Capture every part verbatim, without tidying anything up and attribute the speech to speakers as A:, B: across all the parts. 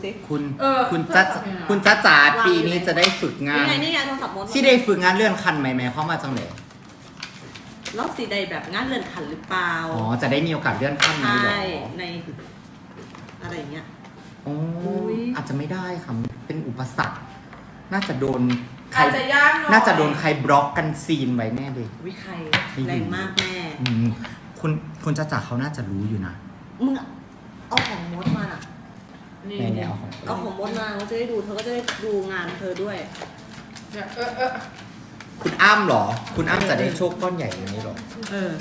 A: คุณคุณจ้าคุณจ้าจ๋าปีนี้จะได้ฝึกงาน
B: นี่ไงนี่ไงโทรศัพท์มด
A: ที่ได้ฝึกงานเลื่อนขั้นไหมแม่เข้ามาจังเลย
B: แล้วสีใดแบบงานเลื่อนขันหรือเปล่า
A: อ๋อจะได้มีโอกาสเลื่อนขั้นนี้หรอ
B: ใช่ในอะไรอย่างเงี้ย
A: โอ้อาจจะไม่ได้ค่ะเป็นอุปสรรคน่าจะโดนใคร
C: อาจจะยากหน่อย
A: น่าจะโดนใครบล็อกกันซีนไว้แน่เลย
B: วิใครแรงมากแม่
A: อืมคุณคุณจ้าจ๋าเขาน่าจะรู้อยู่นะ
B: มึงเอาของมดมาอ่ะ
C: นี่
A: แม่
C: นี่
A: เอาของ
B: เอาของมดมาเขาจะได้ดูเธอก็จะได้ดูงานเธอด้วย
C: เนี่ยเออเออ
A: คุณอ้ำเหรอ คุณอ้ำจะได้โชคก้อนใหญ่อย่างนี้หรอ
B: เออ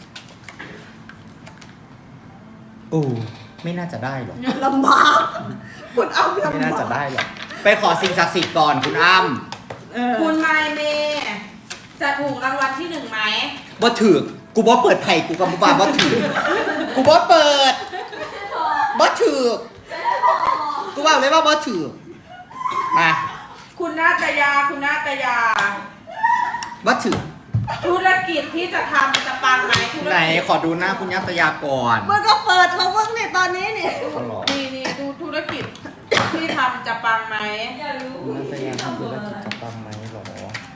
A: โอ้ไม่น่าจะได้หรอก
B: ลำบากคุณเอาลำบาก
A: ไม่น่าจะได้หรอกไปขอสิ่งศักดิ์สิทธิ์ก่อนคุณอ้ำ
B: เออ
C: คุณไมเมย์จะถูกรางวัลที่หนึ่งไหม
A: บ่ถือกูบ่เปิดไผ่กูกับบ่บาบ่ถือกูบ่เปิดบ่ถือกูบอกเลยว่าบ่ถือมา
C: คุณนาตยาคุณนาตยา
A: บ่ถือ
C: ธุรกิจที่จะทำจะปังไหมธุร
A: ไหน
C: กิจ
A: ขอดูหน้าคุณยัตยาก่อน
B: มึงก็เปิดเขาเพิ่งเนี่ยตอนนี้นี่
A: เขาหรอ
C: นี่นี่ดูธุรกิจที่ทำจะปังไหม
A: คุณยัตยาทำธุรกิจจะปังไหมหรอ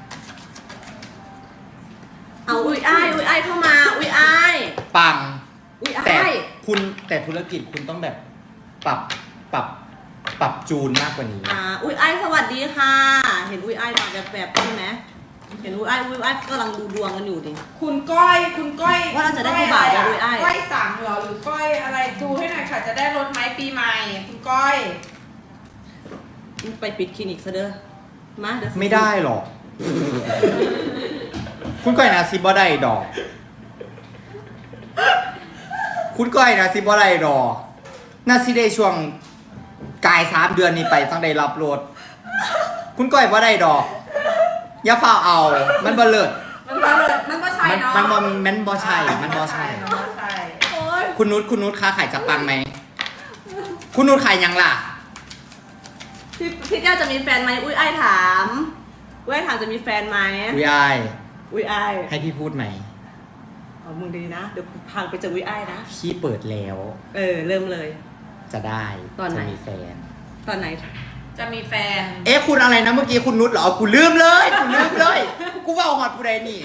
B: เอาอุ้ยอ้ายอุ้ยอ้ายเข้ามาอุ้ยอ้าย
A: ปัง
B: อุ้ย
A: แต่
B: อ้าย
A: คุณแต่ธุรกิจคุณต้องแบบปรับปรับปรับจูนมากกว่านี้
B: อ่าอุ้ยอ้ายสวัสดีค่ะ เห็นอุ้ยอ้ายมาแบบแบบใช่ไหมเห็นอุ้ยอ้ายอุ้ยอ้ายกำลังดูดวงกันอยู่ดิ
C: คุณก้อยคุณก้อย
B: ว่าเราจะได้ผู้บ่าวได้ด้วยอ้าย
C: ก้อยสามเหรอหรือก้อยอะไรดูให้หน่อยค่ะจะได้รถไหมปีใหม่คุณก้อย
B: ไปปิดคลินิกซะเด้อมาเดี๋ยว
A: ไม่ได้หรอก คุณก้อยนะซิบ่ได้ดอก คุณก้อยนะซิบ่ได้ดอกน่าสิได้ช่วงกายสามเดือนนี้ไปต้องได้รับรถคุณก้อยบ่ได้ดอก อย่าฝ้าเอา มันบ่เลิศ
C: มันบ่เลยมันบ่ใช่
A: มัน
C: เนาะ
A: มันบ่มันบ่ใช่ มันบ่ใช่
C: มันบ่ใช่
B: โอ๊ย
A: คุณนุชคุณนุชค้าขายจะปังไหม คุณนุชขายยังล่ะ
B: พี่พี่แก้วจะมีแฟนไหมอุ้ยอ้ายถามอุ้ยอ้ายถามจะมีแฟนไหม
A: อุ้ยอาย
B: อุ้ยอ้าย
A: ให้พี่พูดไหม
B: เอามึงดีนะเดี๋ยวกูพังไปเจออุ้ยอ้ายนะ
A: พี่เปิดแล้ว
B: เออเริ่มเลย
A: จะได้
B: ตอนไหน
A: จะมีแฟน
B: ตอนไหน
C: จะมีแฟน
A: เอ๊ะคุณอะไรนะเมื่อกี้คุณนุชเหรอกูลืมเลย กูลืมเลย กูว่าหอดผู้ใดนี่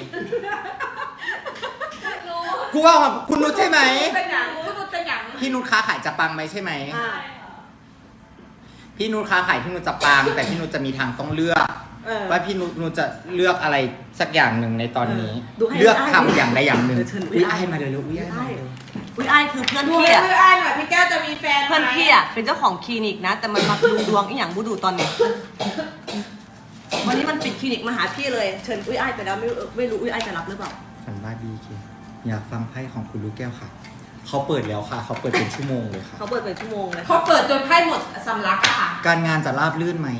A: กูว่าหอดคุณนุชใช่ไหม
C: เป็นหยังคุณนุชเป็นหยัง
A: พี่นุชค้าขายจะปังไหมใช่ไหม
B: อ่า
A: พี่นุชค้าขายพี่นุชจะปัง แต่พี่นุชจะมีทางต้องเลือก
B: เออ
A: ว่าพี่นุชนุชจะเลือกอะไรสักอย่างหนึ่งในตอนนี้
B: เออดูให้
A: เลือก
B: ได้
A: ทำอย่างใดอย่างหนึ่ง
B: เออเชิญอุ๊
A: อุ้
B: ย
A: ย
B: อ้า
A: อ้าย ยมาเลยเลยอุ้ยอ้ายมาเลย
B: อุ้ยอ้ายคือเพื่อน
C: ดู
B: พี่
C: ให้
B: อะ
C: เพื่อนอ้ายหน่อยพี่แก้วจะมีแฟนไหม
B: เพื่อนพี่อะเป็นเจ้าของคลินิกนะ แต่มันมาดูดวงอีหยังบูดูตอนเนี้ยวันนี้มันปิดคลินิกมาหาพี่เลยเชิญอุ้ยอ้ายไปแล้วไม่รู้ไม่รู้อุ้ยอ้ายจะรับหรือเปล่า
A: ฝันว่าดีเคอยากฟังไพ่ของคุณลูกแก้วค่ะ เขาเปิดแล้วค่ะ เขาเปิดเป็นชั่วโมงเลยค่ะ
B: เขาเปิดเป็นชั่วโมงเลย
C: เขาเปิดจนไพ่หมดสำลักอะค่ะ
A: การงานจะราบลื่นไหม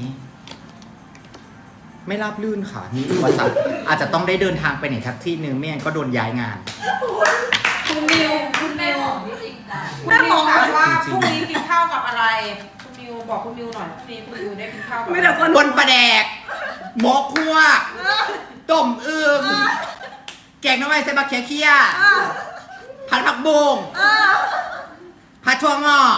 A: ไม่ราบลื่นค่ะ มีอุปสรรค อาจจะต้องได้เดินทางไปไหนทักที่หนึ่งไม่งั้นก็โดนย้ายงาน
C: คุณนิวคุณนิวคุณ
B: แม่
C: นิ
B: ม
C: ว
B: อง
C: ถามว่า
A: จริงๆ
C: พรุ่งนี้กินข้าวกับอะไร คุณนิวบอกคุณนิวหน่อยพรุ่งนี้คุณนิวได้กินข้าวกับ
B: ไม่แต่คน
A: บนประแดกหมกคัวต้มอึ่งแกงน้ำไม้ใส่บักเขียเคี้ยผัดผักบุ้งผัดถั่วงอก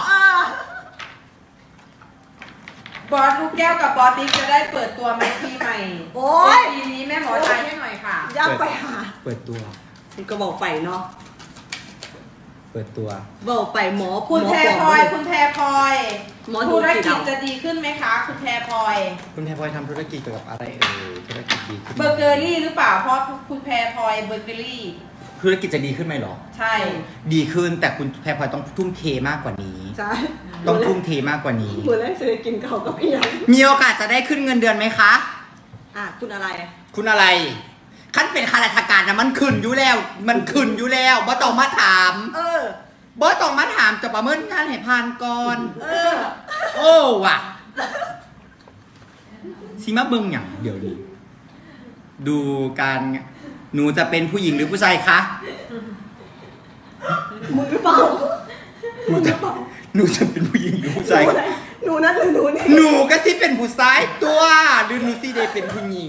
C: บอสลูกแก้วกับบอสติ๊กจะได้เปิดตัวไหมปีใหม่
B: โอ๊ย
C: ปีนี้แม่หมอทายให้หน่อยค่ะ
B: อยากไปหา
A: เปิดตัว
B: คุณก็บอกไปเนาะ
A: เปิดตัว
B: บอกไปหมอ
C: คุณ
B: หม
C: แพร
B: ป
C: พลอย คุณแพรพลอย
B: หมอดู
C: ธุร
B: กี่
C: กิจ
B: ดาว
C: จะดีขึ้นไหมคะ คุณแพรพลอย
A: คุณแพรพลอยทำธุรกิจเกี่ยวกับอะไรเอ่ยธุรกิจดีขึ้นไหม
C: เบอร์เกอรี่หรือเปล่า เพราะคุณแพรพลอยเบอร์เกอรี่
A: ธุรกิจจะดีขึ้นไหมหรอ
C: ใช่
A: ดีขึ้นแต่คุณแพรพลอยต้องทุ่มเทมากกว่านี้
B: ใช่
A: ต้องทุ่มเทมากกว่านี้
B: มือแรกจะได้กินเขาวกับอีหยัง
A: มีโอกาสจะได้ขึ้นเงินเดือนไหมคะ
B: อ่ะคุณอะไร
A: คุณอะไรขั้นเป็นข้าราชการนะมันขึ้นอยู่แล้ว มันขึ้นอยู่แล้วบ่ต้องมาถาม
B: เออ
A: บ่ต้องมาถามจะประเมินงานให้ผ่านก่อน
B: เออ
A: โอ้ว่ะสิมาเบิ่งอย่างเดี๋ยวนี้ดูการหนูจะเป็นผู้หญิงหรือผู้ชายคะ
B: มึงหรือเปล่า
A: หนูจะหนูจะเป็นผู้หญิงหรือผู้ชาย
B: หนูนั่นหรือหนูนี่
A: หนูก็สิเป็นผู้ชายตัวหรือหนูสิได้เป็นผู้หญิง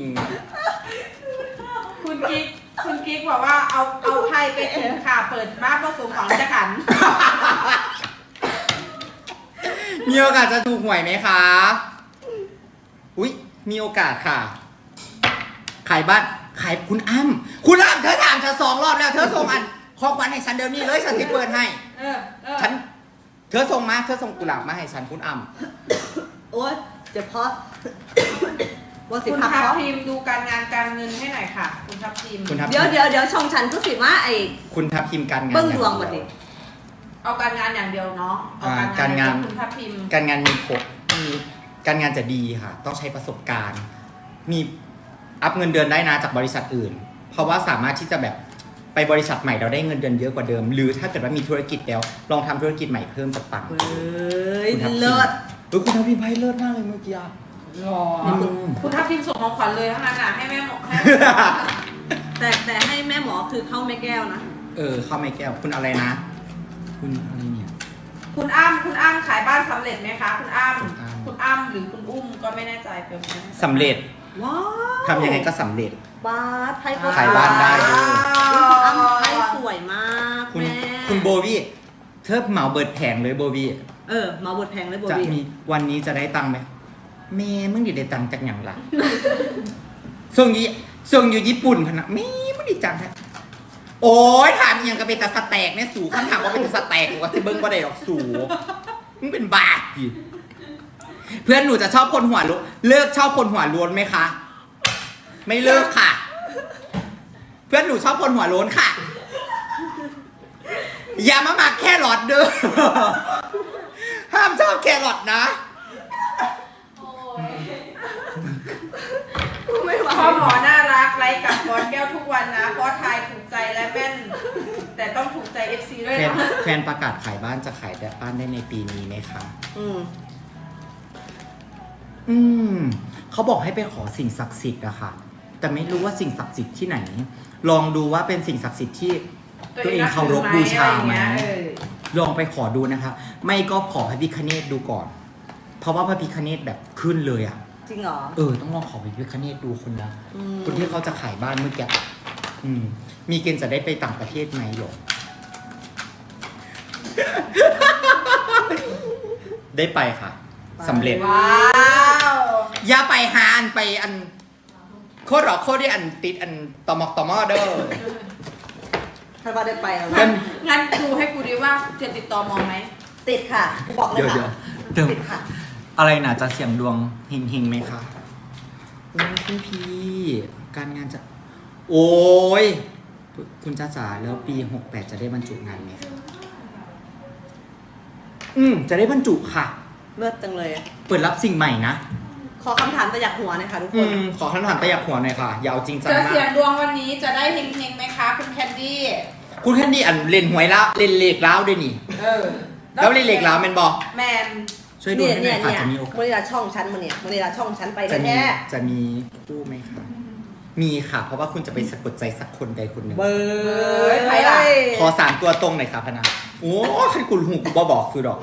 C: คุณกิ๊ก คุณกิ๊กบอกว่าเอาเอาไทยไปถึงค่ะ เปิดบ้านผสมหวังจะขัน
A: ยมีโอกาสจะถูกหวยไหมคะ อุ๊ย มีโอกาสค่ะ ขายบ้าน ขายคุณอ้ำคุณอ้ำเธอถามฉันสองรอบแล้ว เธอส่งอันของขวัญให้ฉันเดี๋ยวนี้เลยฉันจะเปิดให้
C: เออเออ
A: ฉัน เธอส่งมา เธอส่งกุหลาบมาให้ฉันคุณอ้ำ
B: โอ๊ยเจ็บเพราะว่าสิ
C: คุณ
B: พัก
C: ทัพ
B: เพราะ
C: ทีมดูการงานการเงินให้หน่อยค่ะ คุณทัพทีม
A: คุณทัพ
B: เดี๋ยวเดี๋ยวเดี๋ยวช่องฉันก็สิว่าไอ้
A: คุณทัพทีมการงาน
B: เบิ้งดวงหมดดิ
C: เอาการงานอย่างเดียวเนาะเอา
A: อ่า
C: การงาน
A: การงาน
C: คุณทัพทีม
A: การงานมีผลมีการงานจะดีค่ะ ต้องใช้ประสบการณ์ มีอัพเงินเดือนได้นะจากบริษัทอื่น เพราะว่าสามารถที่จะแบบไปบริษัทใหม่เราได้เงินเดือนเยอะกว่าเดิม หรือถ้าเกิดว่ามีธุรกิจแล้ว ลองทำธุรกิจใหม่เพิ่มจากต่าง
B: เฮ้ย
A: คุณทัพทีม
B: เลิศ
A: เออคุณทัพทีมไพ่เลิศมากเลยเมื่อกี้อะ
C: รอ
A: อืม
C: คุณทัพทีมส่งของขวัญเลยทั้งนั้นอ่ะให้แม่หมอให้
B: แต่แต่ให้แม่หมอคือเข้าแม่แก้วนะ
A: เออเข้าไม่แก้วคุณอะไรนะ คุณอะไรเนี่ย
C: คุณอ้ำคุณอ้ำขายบ้านสำเร็จไหมคะ คุณอ้ำ
A: คุณอ้ำ
C: คุณอ้ำหรือคุณอุ้มก็ไม่แน่ใจเป็นไหม
A: สำเร็จ
B: ว้าว
A: ทำยังไงก็สำเร็จ
B: บ้าไทยก็
A: ขายบ้านได้ด้วย
B: อ้ำไทยสวยมาก
A: คุณ
B: แม่
A: คุณโบวี่เธอเหมาเบิดแผงเลยโบวี่
B: เออมาบทแพงเลยโบ
A: จะ
B: บี้
A: มีวันนี้จะได้ตังค์ไหมเมย์มึงอยู่ได้ตังค์จากอย่างล่ะ ส่งอยี่ส่งอยู่ญี่ปุ่นพะนะเมย์มึงไดีจังฮะโอ้ยถามอหย่างก็เป็นตาสแต็กเนี่ยสูคำถามว่าเป็นตาสแต็กหรือว่าที่เบิ้งบ่ได้หรอกสูมึงเป็นบาปดิเพื่อนหนูจะชอบคนหัวล้วนเลิกชอบคนหัวล้วนไหมคะ ไม่เลิกค่ะ เพื่อนหนูชอบคนหัวโล้นค่ะ อย่ามาหมักแค่หลอดเด้อ ห้ามชอบแครอทนะ
B: ไม่ไหว
C: พ่อหมอน่ารักไลฟ์กับบอลแก้วทุกวันนะเพราะทายถูกใจและแม่น แต่ต้องถูกใจ เอฟ ซี ด้วย
A: แฟน
C: นะ
A: แฟนประกาศขายบ้านจะขายแต่บ้านได้ในปีนี้ไหมคะ
B: อืม
A: อืม เขาบอกให้ไปขอสิ่งศักดิ์สิทธิ์อะค่ะ แต่ไม่รู้ว่าสิ่งศักดิ์สิทธิ์ที่ไหน ลองดูว่าเป็นสิ่งศักดิ์สิทธิ์ที่ตัวเองเคารพบูชาไหม
C: เออ
A: ลองไปขอดูนะคะ ไม่ก็ขอพระพิฆเนศดูก่อน เพราะว่าพระพิฆเนศแบบขึ้นเลยอะ
B: จริงเหรอ
A: เออ ต้องลองขอพระพิฆเนศดูคนนะ
B: อืม
A: คนที่เขาจะขายบ้านเมื่อกี้อืม มีเกณฑ์จะได้ไปต่างประเทศไหมหรอ ได้ไปค่ะสำเร็จ
C: ว้าว
A: อย่าไปหาอันไปอัน โคตรหรอกโคตรที่อันติดอันตอมอกตอมอเด้อ
B: ถ้าว่าได้ไปแล้ว
A: เพิ่
B: นะ
A: น
C: งั้นดูให้กูดีว่าจะติดต่อมองไหม
B: ติดค่ะกูบอกเลย
A: เดี๋ยวเดี๋ยว
B: ค่ะ
A: เดี๋ยว
B: ติดค่ะ
A: อะไรน่ะจะเสี่ยงดวงเฮงเฮงๆไหมคะโอ้ยคุณพี่การงานจะ โอ้ยคุณจ้าจ๋าแล้วปีหกแปดจะได้บรรจุงานไหมคะอืมจะได้บรรจุค่ะ
B: เลิศจังเลย
A: เปิดรับสิ่งใหม่นะ
B: ขอคำถามประหยัดหัวหน่อยค่ะทุกค
A: อื
B: น
A: มขอคำถามตะยักหัวหน่อยค่ะอยาวจริงจัง
C: จะ
A: มา
C: เสียง
A: ก
C: ดวงวันนี้จะได้เฮงๆไหมคะ คุณแคนดี้
A: คุณแค่นี้อันเล่นหวยแล้วเล่นเลขแล้วด้วยนี่
C: เออ
A: แล้วเล่นเลขแล้วแมนบอก
C: แมน
A: ช่วยดู
B: เนี่ย
A: ให้หน่
B: เนี่
A: อย ยค่ะ
B: เนี่ย
A: จะมีโอกา
B: เมื่
A: ส
B: อเวลาช่องฉันมาเนี่ยเมื่อเวลาช่องฉันไป
A: จะมี
B: แน่
A: จะมีคู่ไหมคะมีค่ะ เพราะว่าคุณจะไปสะกดใจสักคนใดคนหนึ่ง
B: เบอ
C: เฮ้ย
B: ร์
C: ใครล่ะ
A: ขอสามตัวตรงหน่อยค่ะพนักโอ้ให้คุณหูกูบอบอกคือดอก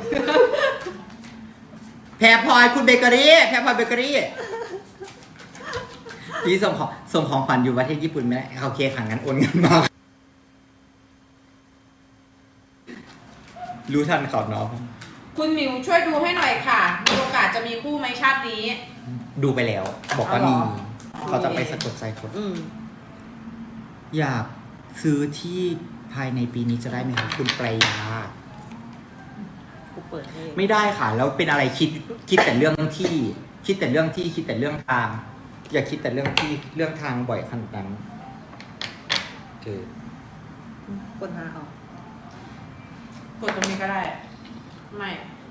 A: แพรพลอยคุณเบเกอรี่แพรพลอยเบเกอรี่พี่ส่งของส่งของขวัญอยู่ประเทศญี่ปุ่นไหมโอเคค่ะงั้นโอนเงินมารู้ทันเขาเนาะ
C: คุณหมิวช่วยดูให้หน่อยค่ะ มีโอกาสจะมีคู่ไหมชาตินี้
A: ดูไปแล้ว บอกว่า
C: เอาเหร
A: มี
C: อ
A: เขาจะไปสะกดใจคน
B: อืม
A: อยากซื้อที่ภายในปีนี้จะได้ไหมครับคุณปรายา
B: กูเปิดให้
A: ไม่ได้ค่ะ แล้วเป็นอะไรคิดคิดแต่เรื่องที่ คิดแต่เรื่องที่คิดแต่เรื่องทาง อย่าคิดแต่เรื่องที่เรื่องทางบ่อยขนาดนั้นเออ
B: คนหาเอา
C: กดตรงนี้ก็ได้ ไม่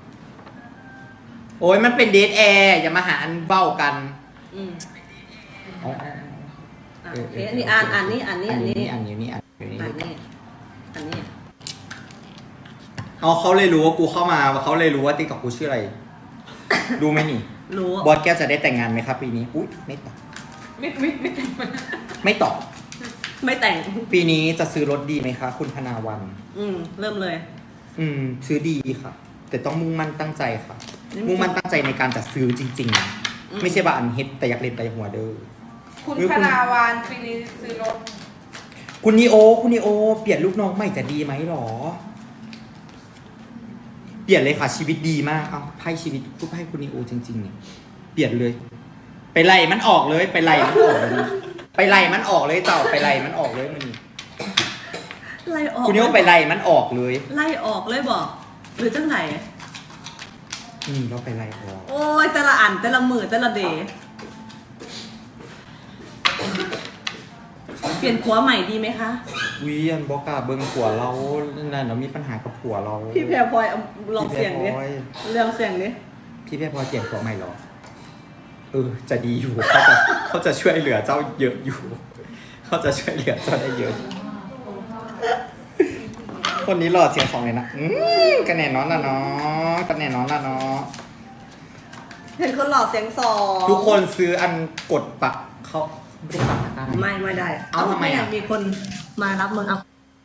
A: โอ้ยมันเป็นเดทแอร์อย่ามาหาอันเบ้ากัน
B: อืม
A: อ๋อ
B: อ่ะโอเคอันนี้อ่านอ่านนี่อ่านนี่
A: อั
B: อ่าน น
A: นี้
B: นี่
A: อันนี้นี่อันนี้
B: อ่านนี่อันนี้
A: เอาเขาเลยรู้ว่ากูเข้ามาเขาเลยรู้ว่าติ๊กต็อกกูชื่ออะไร รู้ไหมนี่
B: รู้
A: บอสแก้วจะได้แต่งงานไหมครับปีนี้อุ้ยไม่ตอบ
C: ไม่ไม่ไม่เต็ม
A: ไม่ตอบ
B: ไม่แต่ง
A: ปีนี้จะซื้อรถดีไหมคะ คุณธนาวัน
B: อืมเริ่มเลย
A: อืม ซื้อดีค่ะ แต่ต้องมุ่งมั่นตั้งใจค่ะ
B: นี่
A: มุ่งมั่นตั้งใจในการจะซื้อจริงๆนะ
B: อืม
A: ไม่ใช่ว่าอันเฮ็ดแต่อยากเล่นแต่หัวเด้อ
C: คุณ
A: หรือ
C: พ
A: คุณ
C: นาวานปีนี้ซื้อรถ
A: คุณนีโอ คุณนีโอ เปลี่ยนลูกน้องใหม่จะดีไหมหรอ ดลี่ยนเลยค่ะชีวิตดีมากเอาไพ่ชีวิตพูดไพ่คุณนีโอจริงๆเนี่ยเปลี่ยนเลย ไปไล่มันออกเลยไปไล่มันออกเลยไปไล่มันออกเลยเต่าไปไล่มันออกเลยมันนี่
B: ไล่ออก
A: คุณนีโอไปไล่มันออกเลย
B: ไล่ออกเลยบอกหรือจังไหน
A: นี่เราไปไล่ออก
B: โอ้ยแต่ละอันแต่ละมือแต่ละเดย์เปลี่ยนผัวใหม่ดีไหมคะ
A: วิอันบอกกล้าเบิ้งผัวเรานั่นเรามีปัญหากับผัวเรา
B: พี่แพรพลอยเอาลองเสียงดิ
A: พี่แพรพลอย
B: เรื่องเสียงดิ
A: พี่แพรพลอยเปลี่ยนผัวใหม่เหรอเออจะดีอยู่เขาจะเขาจะช่วยเหลือเจ้าเยอะอยู่เขาจะช่วยเหลือเจ้าได้เยอะ คนนี้หล่อเสียงสองเลยนะอืมกันแน่นอนนะเนาะกันแน่นอนนะเนาะ
B: เห็นคนหล่อเสียงสอง
A: ทุกคนซื้ออันกดปักเขาไม่ได้ปักตะกร้า
B: ไม่ไม่ได้
A: เอาทำไมอ่ะ
B: อยากมีคนมารับมึงเอา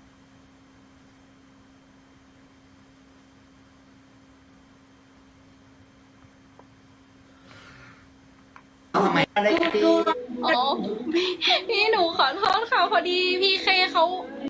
A: เอาทำไมอะไรดี
D: อ๋อพี่พี่หนูขอโทษค่ะพอดีพี่เคเขา